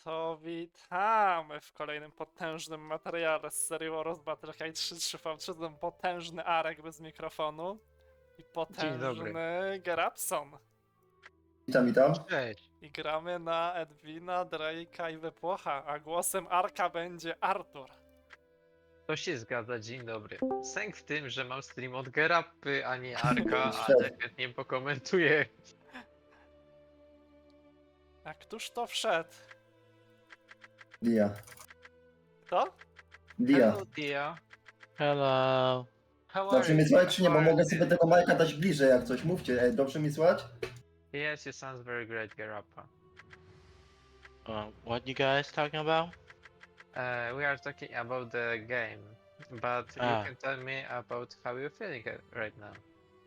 To witamy w kolejnym potężnym materiale z serii Warros Battlecry 3-3v3. Ten potężny Arek bez mikrofonu i Dzień dobry. potężny Gerapson. Witam. Cześć. I gramy na Edwina, Drake'a i Wypłocha, a głosem Arka będzie Artur. To się zgadza, dzień dobry. Sęk w tym, że mam stream od Gerapy, a nie Arka, Wszedł. ale chętnie pokomentuję. A któż to wszedł? Dia. Kto? Dia. Hello, Dia. Hello. How Dobrze are mi you? słychać czy nie? Bo How are mogę you? sobie tego Majka dać bliżej jak coś. Mówcie, dobrze mi słychać? Yes, you sounds very great, Gerappa. What you guys talking about? We are talking about the game, but you Ah. can tell me about how you're feeling right now.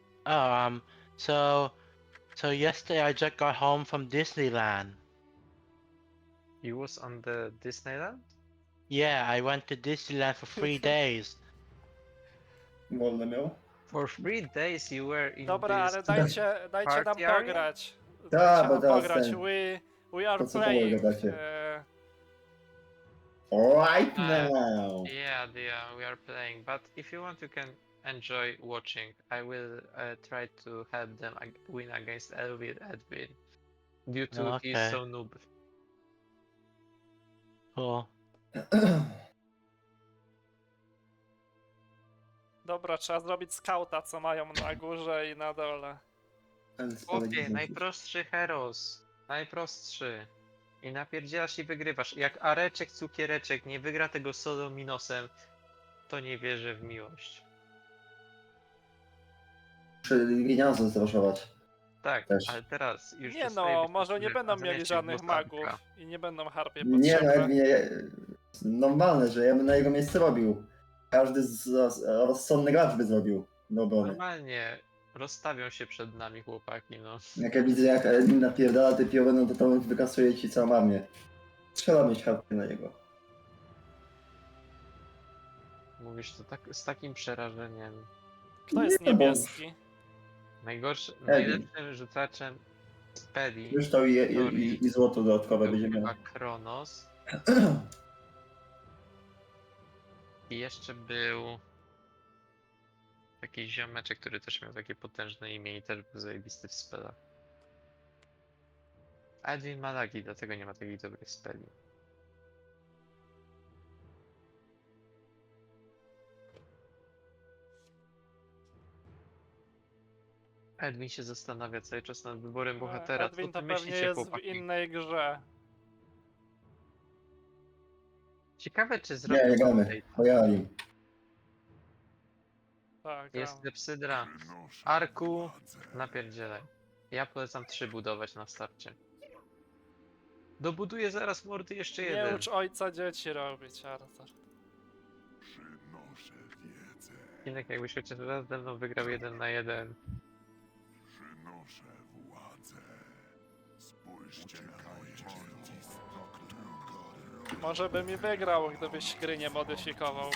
So yesterday I just got home from Disneyland. You was on the Disneyland? Yeah, I went to Disneyland for 3 days. Wolne miał? For 3 days you were in Dobra, this... ale dajcie nam Party area? pograć. Tak, Dajcie bo nam teraz pograć. ten- We are to co playing. gadacie? Uh, Right now! Yeah, we are playing, but if you want, you can enjoy watching. I will try to help them win against Edwin due to he's Okay. so noob. Cool. Dobra, trzeba zrobić skauta, co mają na górze i na dole. Chłopie, najprostszy heros. Najprostszy. I napierdzielasz i wygrywasz. Jak Areczek, cukiereczek nie wygra tego solo minosem, to nie wierzę w miłość. Muszę pieniądze zraszować. Tak, Też. ale teraz już Nie przestaje no, być może nie potrzebny, będą a mieli zamiast żadnych głos Arka. magów i nie będą harpie Nie no, potrzebne. Edwinie, normalne, że ja bym na jego miejsce robił. Każdy rozsądny gracz by zrobił do obrony. Normalnie rozstawią się przed nami chłopaki, no. Jak ja widzę jak Edwin napierdala te piory, no to wykasuje ci całą armię. Trzeba mieć harpę na jego. Mówisz to tak, z takim przerażeniem. Kto jest Nie, no bo- niebieski? Najlepszym rzucaczem z Peli Już to i złoto dodatkowe był będzie chyba miał. Kronos i jeszcze był taki ziomeczek, który też miał takie potężne imię i też był zajebisty w spelach. Edwin ma lagi, dlatego nie ma takich dobrych speli. Edwin się zastanawia cały czas nad wyborem bohatera. Edwin Co to ty pewnie myślicie, jest w chłopaki? innej grze. Ciekawe, czy Nie, zrobił nie gramy. update. Pojali. Tak, Jest gram. Lepsydra. Arku, napierdzielaj. Ja polecam 3 budować na starcie. Dobuduję zaraz mordy jeszcze Nie jeden. ucz ojca dzieci robić, Arthur. Przynoszę wiedzę, Inek jakbyś chociaż raz ze mną wygrał 1 na 1. przynoszę władzę. Spójrzcie na moje dzieło. Może by mi wygrał, gdybyś gry nie modyfikował.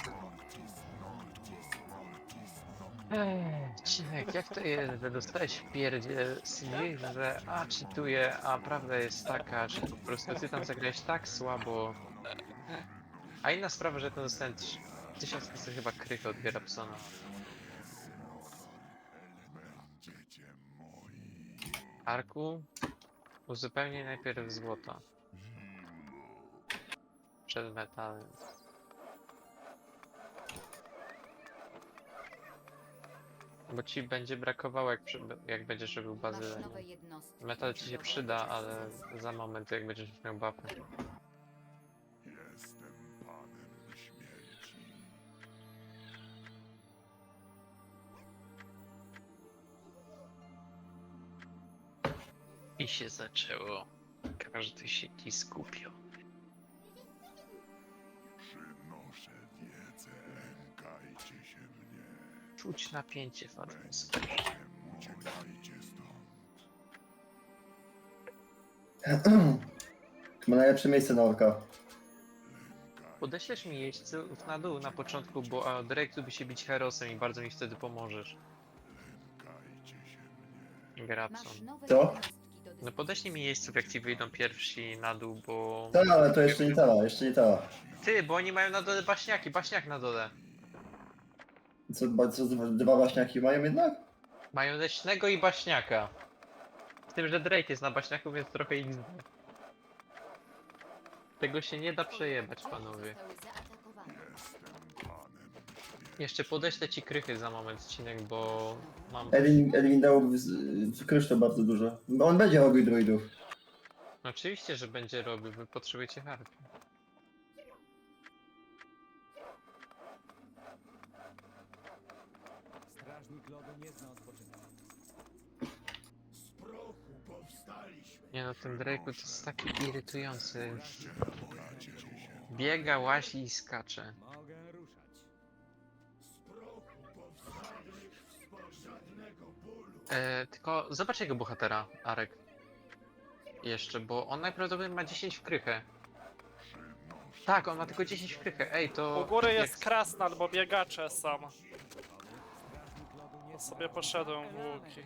Cinek, jak to jest, że dostałeś w pierdzie CV, że cheatuję, a prawda jest taka, że po prostu ty tam zagrałeś tak słabo. A inna sprawa, że to dostałem 1500 chyba krychy od Gerapsona. Będziecie moi. Arku, uzupełnij najpierw złoto. Przed metalem. Bo ci będzie brakowało, jak będziesz robił Masz bazylę. nowe jednostki. Metal ci się przyda, ale za moment, jak będziesz miał buffy. Jestem panem śmierci. I się zaczęło. Każdy się ci skupił. Przynoszę wiedzę. Lękajcie się mnie. Czuć napięcie w atmosferze. Uciekajcie stąd. Ma najlepsze miejsce na orka. Podeślesz mi jeźdźców na dół na początku, bo Drake lubi się bić herosem i bardzo mi wtedy pomożesz. Lękajcie się mnie. Gerapson. Masz nowe Co? jednostki do No podeślij mi jeźdźców, jak ci wyjdą pierwsi na dół, bo... Tak, ale to jeszcze nie cała, jeszcze nie cała. Ty, bo oni mają na dole baśniaki, baśniak na dole. Co dwa baśniaki mają jednak? Mają leśnego i baśniaka. Z tym, że Drake jest na baśniaku, więc trochę ich zna. Tego się nie da przejebać, panowie. Jeszcze podeślę ci krychy za moment, Cinek, bo mam... Edwin dał w kryształ bardzo dużo. Bo on będzie robił druidów. Oczywiście, że będzie robił, wy potrzebujecie harpy. Strażnik lodu nie zna odpoczynku. Nie no, ten Drake'u to jest taki irytujący. Biega, łazi i skacze. Mogę ruszać. Tylko zobacz jego bohatera, Arek. Jeszcze, bo on najprawdopodobniej ma 10 w krychę. Tak, on ma tylko 10 w krychę. Ej, to... U góry jak- jest krasnal, bo biegacze są. Strażnik lodu nie To zna sobie poszedłem w łuki.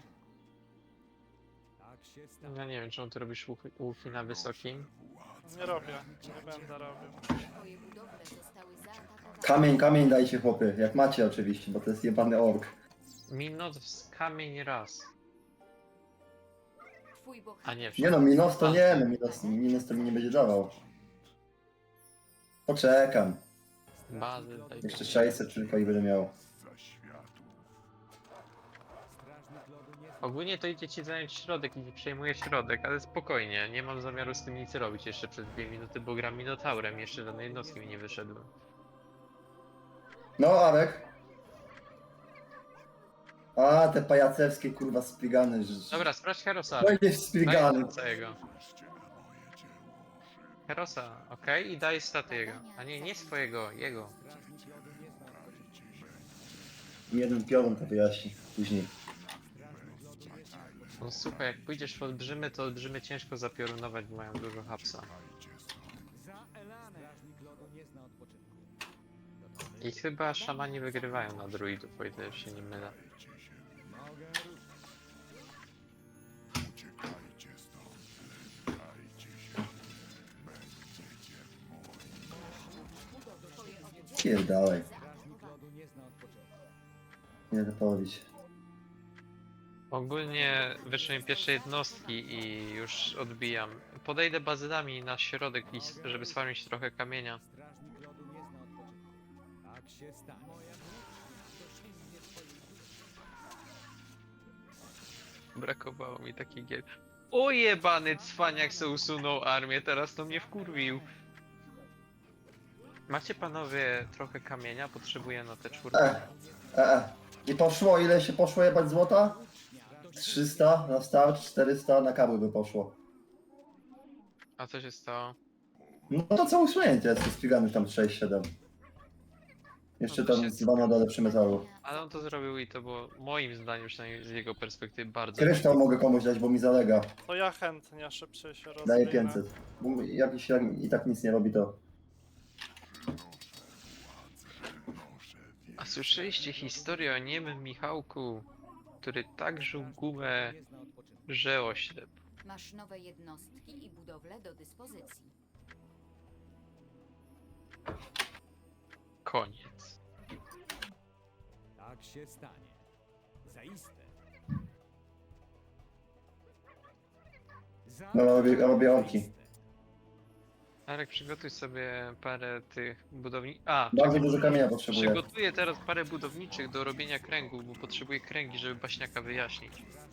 Tak się stanie. Ja nie wiem, czemu ty robisz łuki na wysokim. Nie robię, nie będę robił. Twoje budowle zostały zaatakowane. Kamień dajcie chłopy, jak macie oczywiście, bo to jest jebany ork. Minut z kamień raz. Twój bohater A nie, Nie no, Minos to nie, no Minos to mi nie będzie dawał. Poczekam. Bazy, daj Jeszcze 600 tylko i będę miał. Strażnik lodu nie zna. Ogólnie to idzie ci zająć środek i przejmuje środek, ale spokojnie, nie mam zamiaru z tym nic robić jeszcze przez 2 minuty, bo gram Minotaurem, jeszcze żadnej jednostki mi nie wyszedłem. No, Arek. A, te pajacewskie kurwa spigany. Dobra, sprawdź Herosa. Będzie Daj spigany. całego. Herosa, okej? I daj staty jego. A nie, nie swojego, jego. Strażnik lodu nie zna odpoczynku. Jeden piorun to wyjaśni później. Strażnik lodu nie zna odpoczynku. No słuchaj, jak pójdziesz w olbrzymy, to olbrzymy ciężko zapiorunować, bo mają dużo hapsa. Za Elanem. Strażnik lodu nie zna odpoczynku. I chyba szamani wygrywają na druidów, o ile się nie mylę. Mogę ruszać. Uciekajcie stąd, lękajcie się. Będziecie moi. Pierdalej. Strażnik lodu nie zna odpoczynku. Nie to połowić. Ogólnie wyszły mi pierwsze jednostki i już odbijam. Podejdę bazylami na środek, żeby sfarmić trochę kamienia. Strażnik lodu nie zna odpoczynku. Tak się stanie. Moja dosięgnie twoich Brakowało mi takich gier. O jebany cwaniak se usunął armię, teraz to mnie wkurwił. Macie panowie trochę kamienia? Potrzebuję na te czwórkę. I poszło, ile się poszło jebać złota? 300 na start, 400 na kabły by poszło. A co się stało? No to co usunięcie jest spigany tam 6-7. Jeszcze No to tam się- 2 na dole przy metalu. Ale on to zrobił i to było moim zdaniem, przynajmniej z jego perspektywy, bardzo. Kryształ mogę komuś dać, bo mi zalega. To ja chętnie szybciej się rozwinę. Daję 500. Bo jakiś i tak nic nie robi to. A słyszeliście historię o niemym Michałku, który tak żył gumę, nie zna odpoczynku. że oślep. Masz nowe jednostki i budowle do dyspozycji. Koniec. Tak się stanie. Zaiste. Za No, robię orki. zaiste. Arek, przygotuj sobie parę tych budowni... A, Bardzo dużo kamienia potrzebuję. przygotuję teraz parę budowniczych do robienia kręgów, bo potrzebuję kręgi, żeby baśniaka wyjaśnić.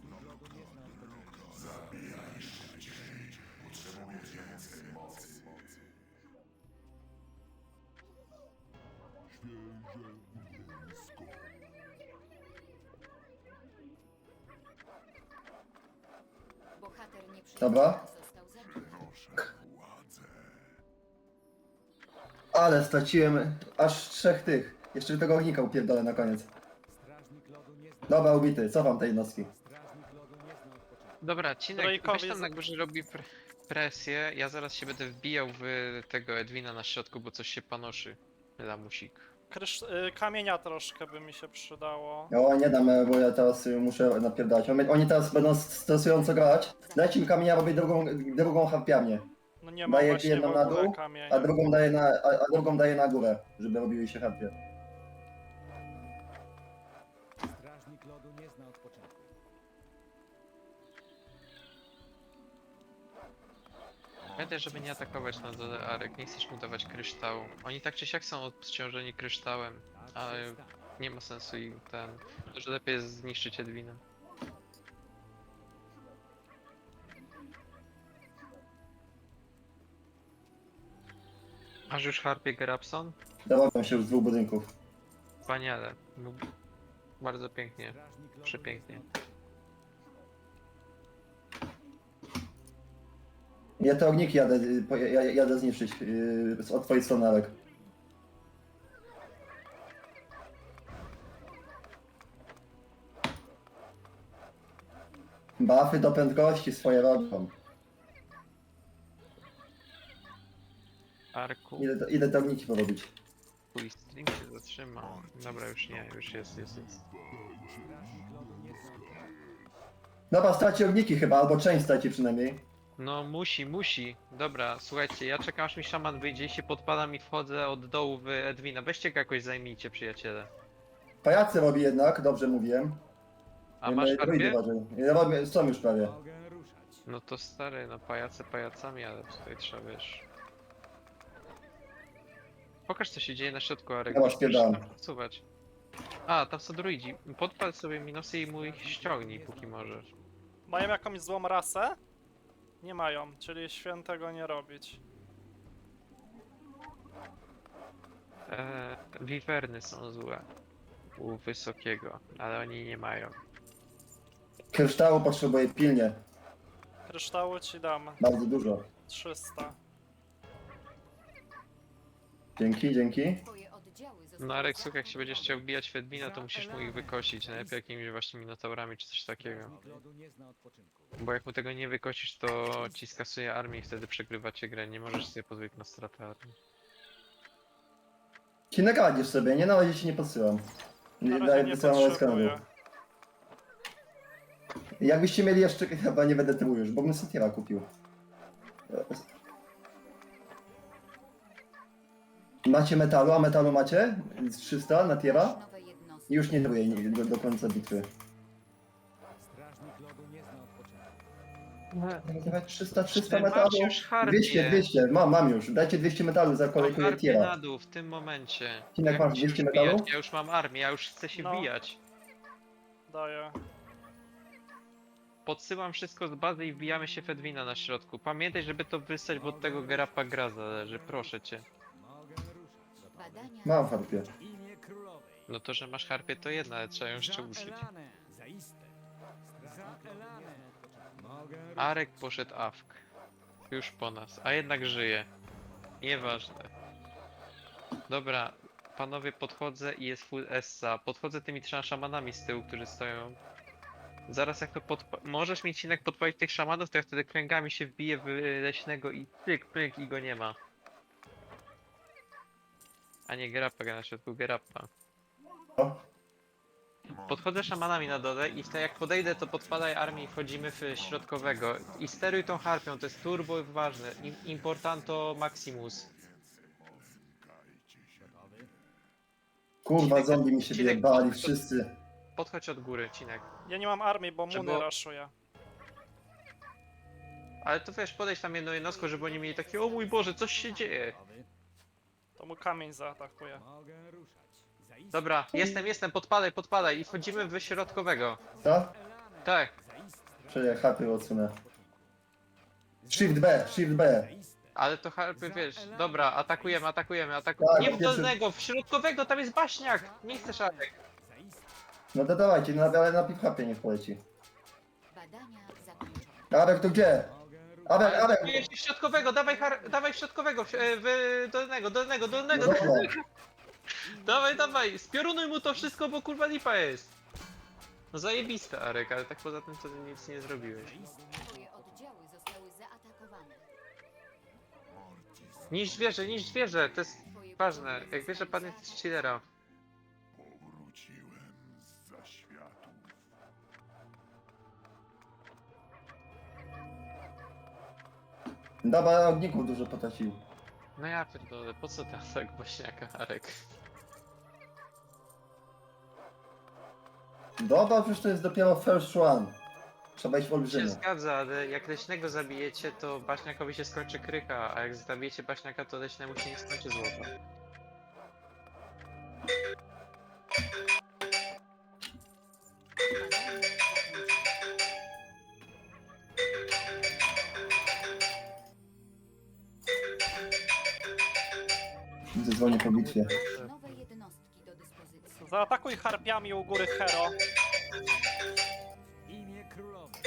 Bohater nie Dobra. został zabity. Ale straciłem aż 3 tych. Jeszcze tego ognika upierdolę na koniec. Strażnik lodu nie zna. Dobra, ubity, cofam te jednostki. Strażnik lodu nie zna odpoczynku. Dobra, Cinek, Drake'owi weź tam z- na górze robi presję, ja zaraz się będę wbijał w tego Edwina na środku, bo coś się panoszy. Lamusik. kamienia troszkę by mi się przydało. O, nie dam, bo ja teraz muszę napierdać. Oni teraz będą stresująco grać. Dajcie mi kamienia, robię drugą harpiarnię. No nie mam Daję właśnie jedną w na ogóle dół, kamienia. a drugą daję na górę, żeby robiły się harpie. Strażnik lodu nie zna odpoczynku. Pamiętaj, żeby nie atakować na dole Arek, nie chcesz mu dawać kryształu. Oni tak czy siak są obciążeni kryształem, Tak ale się stanie. nie ma sensu im ten... Dużo lepiej jest zniszczyć Edwina. Masz już harpie Gerapson? Dorobią się już z 2 budynków. Wspaniale. No, bardzo pięknie. Strażnik lodu Przepięknie. nie zna Ja te ogniki jadę zniszczyć od twojej strony, Arek. Buffy do prędkości swoje robią. Arku, Ile te ogniki porobić? twój stream się zatrzymał. Dobra, już nie, już jest. Strażnik lodu nie zna odpoczynku. Dobra, straci ogniki chyba, albo część straci przynajmniej. No musi. Dobra, słuchajcie, ja czekam aż mi szaman wyjdzie i się podpadam i wchodzę od dołu w Edwina. Weźcie go jakoś zajmijcie, przyjaciele. Pajacy robi jednak, dobrze mówiłem. A masz druidy harpie? uważaj. Ja robię, są już prawie. Mogę ruszać. No to stary, no pajace pajacami, ale tutaj trzeba, wiesz... Pokaż co się dzieje na środku, Arek. Ja was Musisz pierdam. tam przesuwać. A, tam są druidzi. Podpal sobie minusy i mu ich ściągnij, póki możesz. Mają jakąś złą rasę? Nie mają, czyli świętego nie robić. Wiwerny są złe. U wysokiego, ale oni nie mają. Kryształu potrzebuję pilnie, Kryształu ci dam. bardzo dużo. 300. Dzięki. Twoje oddziały zostały No Arek, słuchaj, jak się zaatakowane. będziesz chciał wbijać w Edwina, to musisz mu ich wykosić. Najlepiej jakimiś właśnie minotaurami czy coś takiego. Strażnik lodu nie zna odpoczynku. Bo jak mu tego nie wykosisz, to ci skasuje armię i wtedy przegrywacie grę. Nie możesz sobie pozwolić na stratę armii. Ci nagadzisz sobie, nie na razie ci nie podsyłam. Na razie Daję nie wysyłam od potrzebuję. skanu. Jakbyście mieli jeszcze, chyba nie będę tyłu już, bo bym Satiera kupił. Macie metalu, a metalu macie? Z 300 na tiera? Nowe jednostki. I już nie truję do końca bitwy. Strażnik lodu nie zna odpoczynku. Dawać 300 Macie metalu. już harpie. 200, mam już. Dajcie 200 metalu za Mam kolejkę harpie tiera. na dół w tym momencie. Cinek, Jak masz mi się 200 już wbijać? metalu? Ja już mam armię, ja już chcę się No. wbijać. Daję. Podsyłam wszystko z bazy i wbijamy się w Edwina na środku. Pamiętaj, żeby to wystać, bo od tego Gerapa gra zależy, proszę cię. Mogę ruszać. Badania Mam harpie. Imię królowej. No to, że masz harpie to jedna, ale trzeba ją jeszcze Za użyć. Elanę. Zaiste. Za Elanę. Mogę ruszać. Arek poszedł awk. Już po nas, a jednak żyje. Nieważne. Dobra, panowie, podchodzę i jest full Essa. Podchodzę tymi 3 szamanami z tyłu, którzy stoją. Zaraz jak to możesz mieć Cinek podpalić tych szamanów, to ja wtedy kręgami się wbiję w leśnego i pyk i go nie ma. A nie Gerappa gra na środku, Gerappa. O, Podchodzę szamanami na dole i wtedy jak podejdę, to podpadaj armię i wchodzimy w środkowego. I steruj tą harpią, to jest turbo ważne. Importanto maximus. kurwa, zombie mi się Cinek, wyjebali, podchodź- wszyscy. Podchodź od góry, Cinek. Ja nie mam armii, bo Trzeba- Muny raszuję. Ale to wiesz, podejdź tam jedną jednostką, żeby oni mieli takie, o mój Boże, coś się dzieje. To mu kamień zaatakuje. Mogę ruszać. Zaiste. Dobra, jestem, podpadaj i wchodzimy w środkowego. Co? Elanę. Tak, Zaiste. Czyli harpy odsunę. Shift B. Zaiste. ale to harpy, wiesz, dobra, atakujemy. Tak, Nie w pierwszy- dolnego, w środkowego, tam jest baśniak! Nie chcesz Arek. Zaiste. No to dawajcie, ale najpierw harpie niech poleci. Badania zakończone. Arek, to gdzie? Mogę ruszać. Arek! Atakujesz w środkowego, dawaj w środkowego, dolnego. No dobra. Dawaj, spiorunuj mu to wszystko, bo kurwa lipa jest. No zajebiste Arek, ale tak poza tym to nic nie zrobiłeś. Twoje oddziały zostały zaatakowane. Niż zwierzę, to jest... Twoje Ważne, jak wiesz, że pan jest z chillera. Powróciłem zza światów. Dobra, ogników dużo potracił. No ja pierdolę, po co ten atak bośniaka, Arek? Dobra, przecież to jest dopiero first one. Trzeba iść w Się olbrzymy. zgadza, ale jak leśnego zabijecie, to baśniakowi się skończy krycha, a jak zabijecie baśniaka, to leśnemu się nie skończy złota. Badanie zakończone. Zadzwonię po bitwie. Masz nowe jednostki do dyspozycji. Zaatakuj harpiami u góry Hero. W imię królowej.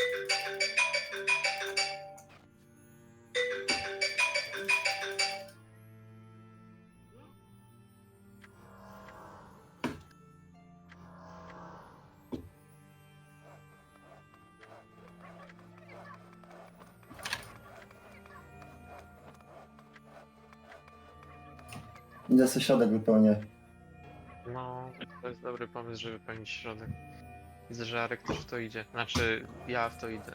Idę sobie środek wypełnię. No, to jest dobry pomysł, żeby wypełnić środek. Widzę, że Arek też w to idzie. Znaczy, ja w to idę.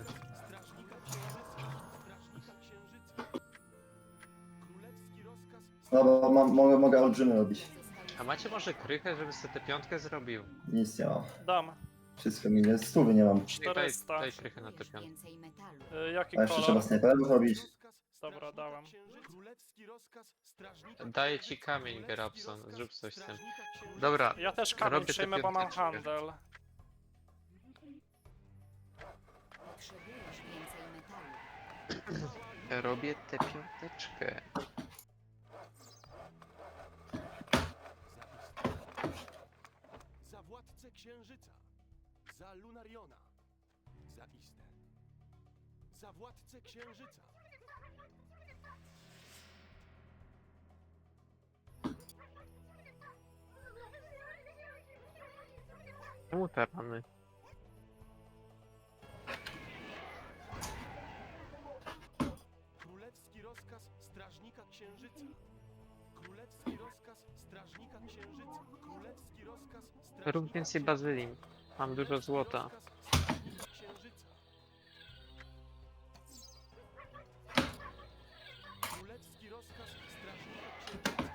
Dobra, mogę olbrzymy robić. A macie może krychę, żeby sobie tę piątkę zrobił? Nic nie mam. Dam. Wszystko mi jest. 100 nie mam. 400. Daj krychę na tę piątkę. Więcej metalu. Jaki A jeszcze trzeba kolor? snajperów robić. Dobra, dałem. Daję ci kamień, Gerapson. Zrób coś z tym. Dobra, Ja też kamień Robię tę przyjmę, bo mam piąteczkę. handel. Potrzebujesz więcej metalu. robię tę piąteczkę. Za władcę księżyca, za Lunariona, za Iste, za władcę księżyca. Czemu te rany? Królewski rozkaz strażnika księżyca. Królewski rozkaz strażnika księżyca. Królewski rozkaz strażnika Rób więcej bazylin. Mam dużo złota. strażnika księżyca. Królewski rozkaz strażnika księżyca.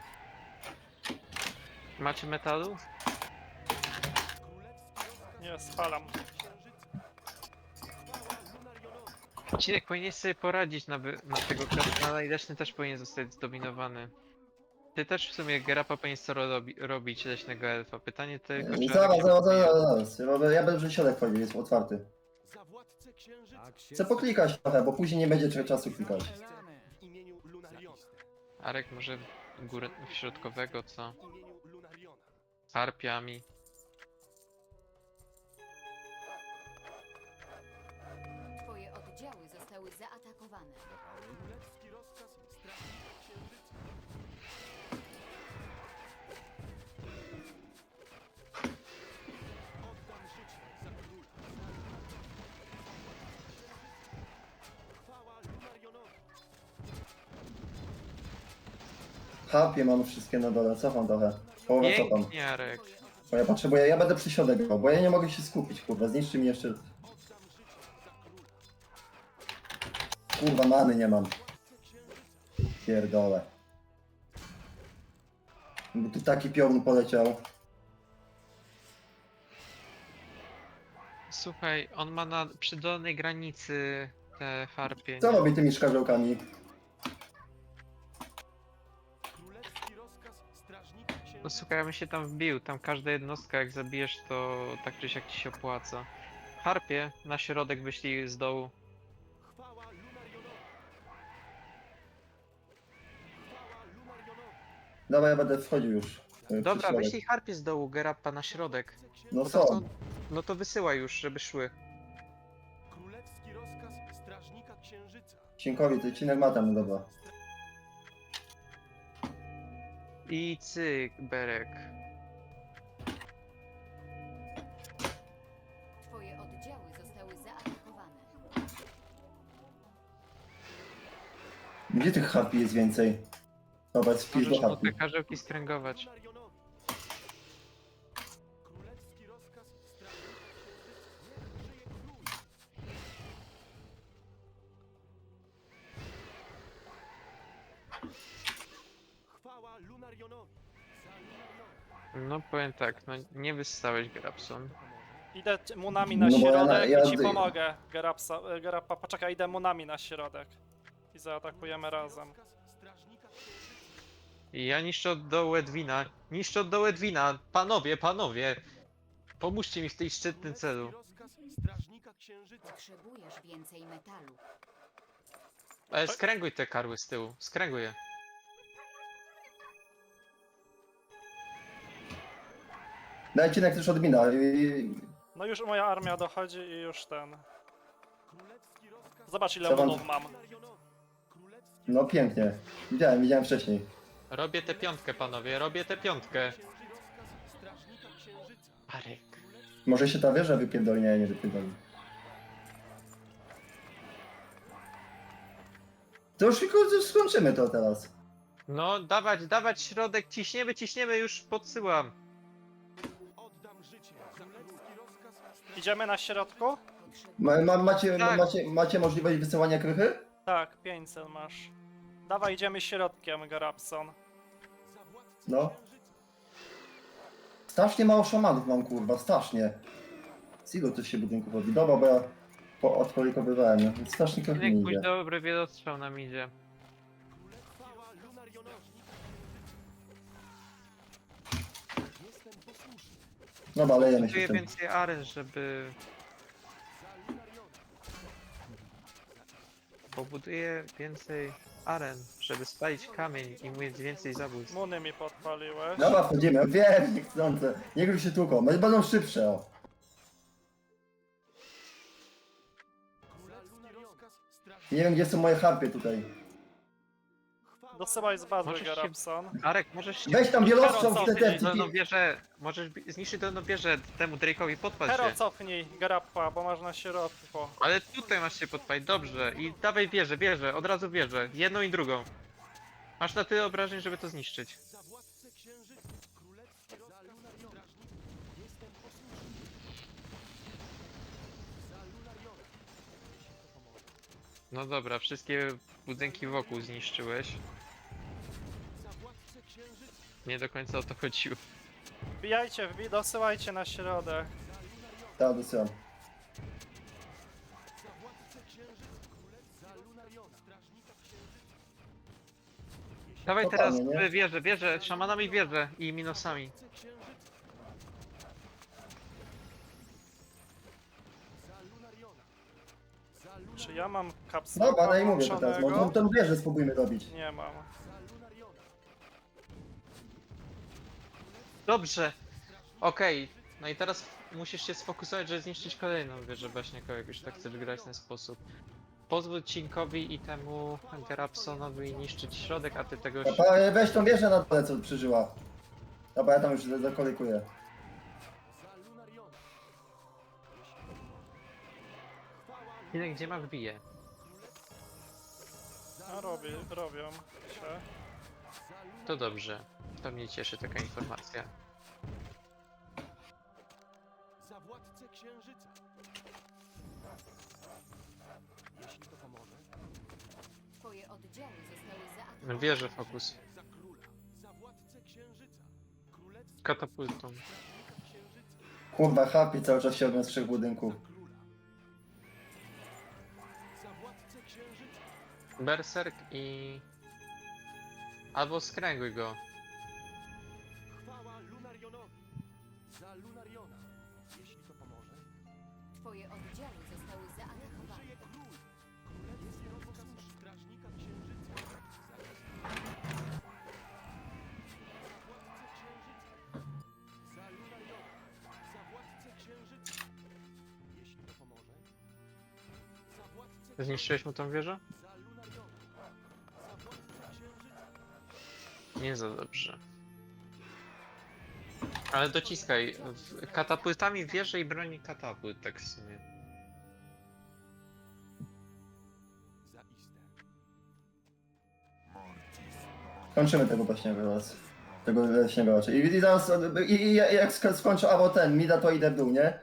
Macie metalu? Królewski rozkaz Nie, spalam. księżyca. Chwała Lunarionowi. Odcinek powinien sobie poradzić na tego na leśny też powinien zostać zdominowany. Ty też w sumie Gerapa powinien co robić leśnego elfa. Pytanie tylko, czy... Zaraz. Ja będę że środek wchodził, jest otwarty. Za władcę księżyca. Tak się Chcę poklikać trochę, bo później nie będzie czasu klikać. Elane. W imieniu Lunariona. Arek może górę środkowego, co? W imieniu Lunariona. Harpiami. Twoje oddziały zostały zaatakowane. Królewski rozkaz strażnika księżyca. Oddam życie za króla. Chwała Lunarionowi. Harpie mam wszystkie na dole, cofam trochę. Połowę cofam. Pięknie, Arek. Bo ja potrzebuję, ja będę przy środek grał, bo ja nie mogę się skupić, kurwa, zniszczy mi jeszcze... Oddam życie za króla. Kurwa, many nie mam. Władcę księżyca. Pierdolę. Bo tu taki piorun poleciał. Słuchaj, on ma przy dolnej granicy te harpie. Co robi tymi szkarzełkami? Królewski rozkaz strażnika księżyca. No słuchaj, ja bym się tam wbił. Tam każda jednostka jak zabijesz, to tak czy siak ci się opłaca. Harpie na środek wyślij z dołu. Chwała Lunarionowi. Chwała Lunarionowi. Dobra, ja będę wchodził już. Przy Dobra, środek. wyślij harpie z dołu, Gerappa na środek. Władcę księżyca. No Bo tam są. No to wysyłaj już, żeby szły. Królewski rozkaz strażnika księżyca. Cienkowi, ty cinek ma tam, no dobra. I cyk, Berek. Twoje oddziały zostały zaatakowane. Gdzie tych harpi jest więcej? Dobra, wpisz do Możesz mu chatki. te karzełki skręgować. Lunarionowi. Królewski rozkaz strażnika księżyca. Niech żyje król! Chwała Lunarionowi. Za Lunariona. No powiem tak, no nie wystałeś Grabson. Idę munami na No bo środek ja- i ci pomogę, Gerappa. Poczekaj, idę munami na środek. I zaatakujemy razem. Rozkaz strażnika księżyca. I ja niszczę od dołu Edwina. Niszczę od dołu Edwina. Panowie, panowie. Pomóżcie mi w tej szczytnym celu. Królewski rozkaz strażnika księżyca. Potrzebujesz więcej metalu. Skręguj te karły z tyłu. Skręguj je. Dajcie jak też odmina. No już moja armia dochodzi i już ten. Królewski rozkaz Zobacz ile Co wam- munów mam. Lunarionowi. Królewski No pięknie. Widziałem wcześniej. Robię tę piątkę, panowie. Robię tę piątkę. księży rozkaz strażnika księżyca. Arek. Może się ta wieża wypierdoli, nie wypierdoli. To już tylko skończymy to teraz. No, dawać środek. Ciśniemy, ciśniemy. Już podsyłam. Oddam życie. Królewski rozkaz Idziemy na środku? Tak. Macie możliwość wysyłania krychy? Tak, 500 masz. Dawaj, idziemy środkiem, Gerapson. za władcę No. księżyca. Strasznie mało szamanów mam, kurwa, strasznie. Z ilu tu się budynków robi? Dobra, bo ja odkolikowywałem, no. Strasznie krychy Niech nie pójdź idzie. dobry wielostrzał nam idzie. Chwała Lunarionowi. Jestem posłuszny. Dobra, lejemy się Czuję w tym. więcej aren, żeby... Za Lunariona. Pobuduję więcej aren, żeby spalić kamień i mieć więcej zabójstw. Muny mi podpaliłeś. Dobra, wchodzimy. Wiem, niechcące. Niech już się tłuką. Będą szybsze, o. Królewski rozkaz strażnika. Nie wiem, gdzie są moje harpy tutaj. Chwała Dosyłaj z bazy, Możesz się- Gerapson. Arek, możesz... Weź tam wielostrzał w te Hero, Dolną wieżę, możesz zniszczyć dolną wieżę temu Drake'owi, podpal Hero, się. cofnij, Gerappa, bo masz na środku. Ale tutaj masz się podpalić, dobrze. I dawaj wieżę, od razu wieżę. Jedną i drugą. Masz na tyle obrażeń, żeby to zniszczyć. za władcę księżyca. Królewski rozkaz strażnika. Jestem posłuszny. Za Lunariona. Jeśli to pomoże. No dobra, wszystkie budynki wokół zniszczyłeś. Za władcę księżyca. Nie do końca o to chodziło. Wbijajcie, dosyłajcie na środek. Za Lunariona. Tak, dosyłam. Za władcę księżyca. Królewski za Lunariona. Strażnika księżyca. Dawaj To teraz fajnie, nie? wieżę, szamanami wieżę i minusami. Władcę księżyca. Za Lunariona. Za Lunariona. Czy ja mam kapsułę Dobra, no i mówię to teraz. włączonego? Może tą wieżę spróbujmy robić. Nie mam. Za Lunariona. Dobrze. Okej. No i teraz musisz się sfokusować, żeby zniszczyć kolejną wieżę baśniakową, jak już tak chcesz grać w ten sposób. Pozwól Cinkowi i temu Gerapsonowi niszczyć środek, a ty tego... Dobra, weź tą wieżę na dole, co przeżyła. Dobra, ja tam już zakolikuję. Za Lunariona. Ile gdzie ma wbije? A robią się. To dobrze. To mnie cieszy taka informacja. Za władcę księżyca. Jeśli to pomoże. Twoje oddziały zostały zaatakowane. Wieżę fokus. Za króla. Za władcę księżyca. Królewski Katapultą. strażnika księżyca. Kurwa, harpy cały czas się robią z 3 budynków. Za króla. Za władcę księżyca. Berserk i... Albo skręguj go. Chwała Lunarionowi. Za Lunariona. Jeśli to pomoże. Twoje oddziały zostały zaatakowane. Żyje król. Królewski rozkaz strażnika księżyca. Za Lunariona. Za władcę księżyca. Jeśli to pomoże. Za władcę Zniszczyłeś mu tą wieżę? Za Lunariona. Za władcę księżyca. Nie za dobrze. Ale dociskaj. Katapultami wieżę i broni katapult, tak w sumie. Zaiste. Kończymy tego leśnego teraz. Tego leśnego raczej. I zaraz, jak skończę albo ten, mida to idę w dół, nie?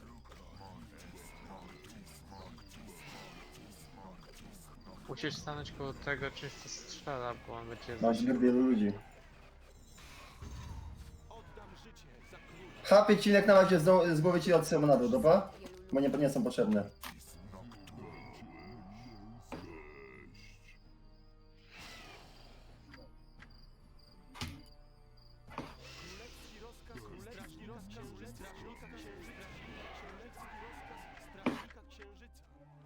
Musisz stanąć koło tego czymś co strzela, bo on będzie... Masz zbyt wielu ludzi. Oddam życie za króla. Chapie cinek na razie z głowy ci od na dół, dobra? Wielu Bo nie są potrzebne. Królewski rozkaz, królewski rozkaz, strażnika księżyca. Królewski rozkaz, strażnika księżyca.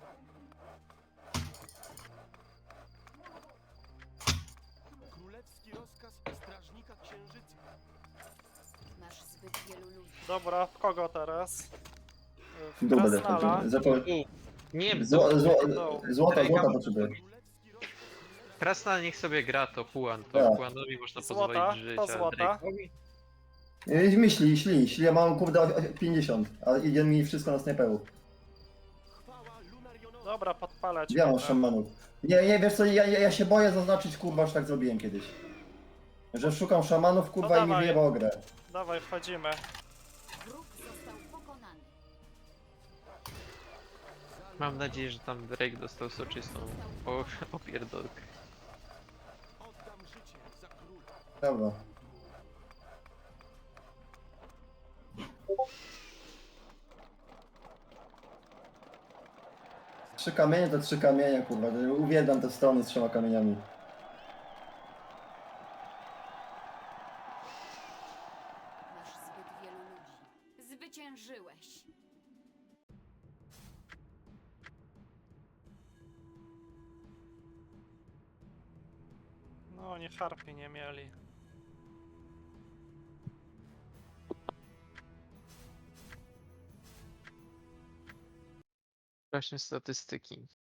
Królewski rozkaz strażnika księżyca. Masz zbyt wielu ludzi. Dobra, w kogo teraz? W W dół będę Krasnala. wchodził. Nie, Złota potrzebuję. Królewski rozkaz. Krasnal niech sobie gra, to Huan, to Tak. Huanowi można Złota, pozwolić żyć, to a złota. Drake'owi? Myśli, ja mam kurde 50, a idzie mi wszystko na snajperu. Chwała Lunarionowi. Dobra, podpalać. Ja mam będę. szamanów. Nie, wiesz co, ja się boję zaznaczyć, kurwa, że tak zrobiłem kiedyś. Że szukam szamanów, kurwa, i mi dawaj. wyjebał grę. Dawaj, wchodzimy. Wróg został pokonany. Mam nadzieję, że tam Drake dostał soczystą opierdolkę. Oddam życie za króla. Dobra. Trzy kamienie to trzy kamienie, kurwa. Uwielbiam te strony z 3 kamieniami. Masz zbyt wielu ludzi. Zwyciężyłeś. No, oni harpy nie mieli. Właśnie statystyki.